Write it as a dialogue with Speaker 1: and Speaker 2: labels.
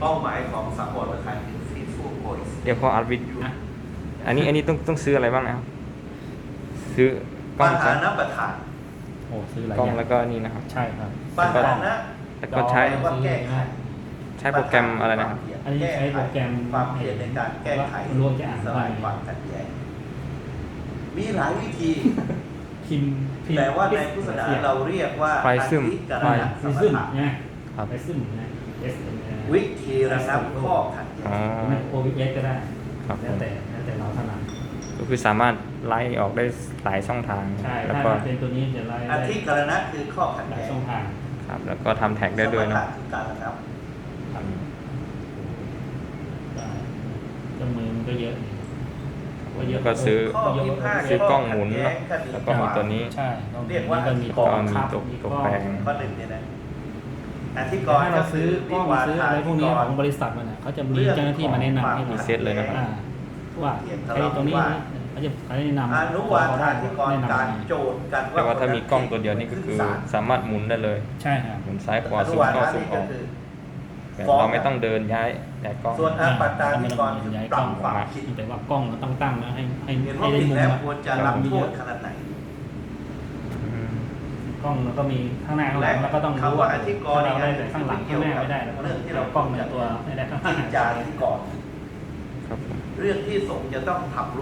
Speaker 1: เป้าหมายของสังวรประธานคือ Fruitful Voice
Speaker 2: เดี๋ยวพออัดวิดีโออันนี้ต้องซื้ออะไรบ้างนะครับซื้อกล้
Speaker 1: ป
Speaker 2: อง
Speaker 1: ระธานประธาน
Speaker 3: โอ้ซื้อหลาย
Speaker 2: กล้อง
Speaker 3: อย่าง
Speaker 2: แล้วก็นี่นะครับ
Speaker 3: ใช่ครับ
Speaker 1: ประธานนะ
Speaker 2: แล้วก็ใช้
Speaker 1: หรือว่าแก้ไข
Speaker 2: ใช้โปรแกรมอะไรนะครับ
Speaker 3: อันนี้ใช้โปรแกรม
Speaker 1: ความเพียรในการแก้ไข
Speaker 3: รวมจะอ่าน
Speaker 1: ส
Speaker 3: ได้
Speaker 1: ลายความขัดแย้งมีหลายวิธี
Speaker 3: พิมพ์
Speaker 1: แต่ว่าในพุทธศาสนาเราเรียกว่า
Speaker 2: ไฟซึม
Speaker 1: อธิกรณะส
Speaker 3: ไป
Speaker 1: ม
Speaker 3: ซึม
Speaker 1: ถะ
Speaker 3: ไง
Speaker 2: ครับ
Speaker 3: ไปซึมไง S
Speaker 1: วิธีระงับข้อขัดแย้
Speaker 2: อ๋อ
Speaker 1: ง
Speaker 3: ไม่ OBS ก็ได้
Speaker 2: ครับผ
Speaker 3: แล้ว
Speaker 2: ม
Speaker 3: แต่เราถนัด
Speaker 2: ก็คือสามารถไล่ออกได้หลายช่องทาง
Speaker 3: ใช่
Speaker 2: แล้ว
Speaker 3: ถ้า
Speaker 2: ก็
Speaker 3: เป็นตัวนี้จะไล่
Speaker 1: อ
Speaker 3: ได้
Speaker 1: ธิกรณะคือข้อขัด
Speaker 3: หลาย
Speaker 1: แย้ง
Speaker 3: ช่องทาง
Speaker 2: ครับแล้วก็ทำแท็กได้ด้วย
Speaker 1: สม
Speaker 2: เนาะ
Speaker 1: ถะคือการระงับ
Speaker 3: ครับได้เครื่องมือมันก็เยอะนี่ก็เยอะ
Speaker 2: ก็ซื้อ
Speaker 1: ข้อพิพาท
Speaker 2: ซื้อกล้องหมุน
Speaker 1: ข้ขัด
Speaker 2: เนาะ
Speaker 1: แย้งคดี
Speaker 2: แล้วก็มีตัวนี้
Speaker 3: ใช่
Speaker 1: เรียกว่า
Speaker 3: ก็มี
Speaker 2: ก็มี
Speaker 3: ครับ
Speaker 2: ตัวแปลง
Speaker 1: ข้อหนึ่งเนี่ยนะอธิก
Speaker 3: แต่
Speaker 1: ร
Speaker 3: ถ้า
Speaker 1: ณ์
Speaker 3: เรา
Speaker 1: ก็
Speaker 3: ซื้
Speaker 1: คือ
Speaker 3: อกล้องซื้ออะไรพวกนี้ของบริษัทมันน่ะเขาจะมีเจ้าหน้าที่มาแนะนำให้เรา
Speaker 2: มีเซตเลยนะครับ
Speaker 3: ว่าไอ้ตรงนี้เขาจะแนะนำ
Speaker 1: อนุวา
Speaker 3: เขา
Speaker 1: ธา
Speaker 3: ได้
Speaker 1: ธิกร
Speaker 3: แนะ
Speaker 1: ณ์
Speaker 3: นำ
Speaker 1: การ
Speaker 3: ให้
Speaker 1: โจทย์กัน
Speaker 2: แต่ว่าถ้ามีกล้องตัวเดียวนี่ก็คือสามารถหมุนได้เลย
Speaker 3: ใช่ครับ
Speaker 2: หมุนซ้ายขวา
Speaker 1: อนุ
Speaker 2: ซูม
Speaker 1: วา
Speaker 2: เข้า
Speaker 1: ธา
Speaker 2: ซูม
Speaker 1: นี่
Speaker 2: อ
Speaker 1: ก็
Speaker 2: อก
Speaker 1: คือ
Speaker 2: แบบเราไม่ต้องเดินย้ายกล้อง
Speaker 1: ส่วนอาปัตตาธิกรณ์คือปรับความคิด
Speaker 3: แต่ว่ากล้องเราต้องตั้งนะให้
Speaker 1: เห็น
Speaker 3: ให้
Speaker 1: ว่า
Speaker 3: ได้
Speaker 1: ผิด
Speaker 3: มุม
Speaker 1: แล้ว
Speaker 3: อะ
Speaker 1: ควรจะรับโทษขนาดไหน
Speaker 2: อืม
Speaker 3: กล้องเราก็มีข้างหน้าข้างหลังแล้วก็ต้องรู้
Speaker 1: คำว่าอธิกรณ์
Speaker 3: เราได้แต่ข้างหลังข้างหน้าไม่ได้แล้วก็
Speaker 1: เรื่องที่เรา
Speaker 3: กล้องในตัวไม่ได้ข้างหน้า
Speaker 1: จิตจาธิกรณ์
Speaker 2: ครับผม
Speaker 1: เรื่องที่สงฆ์จะต้องทำ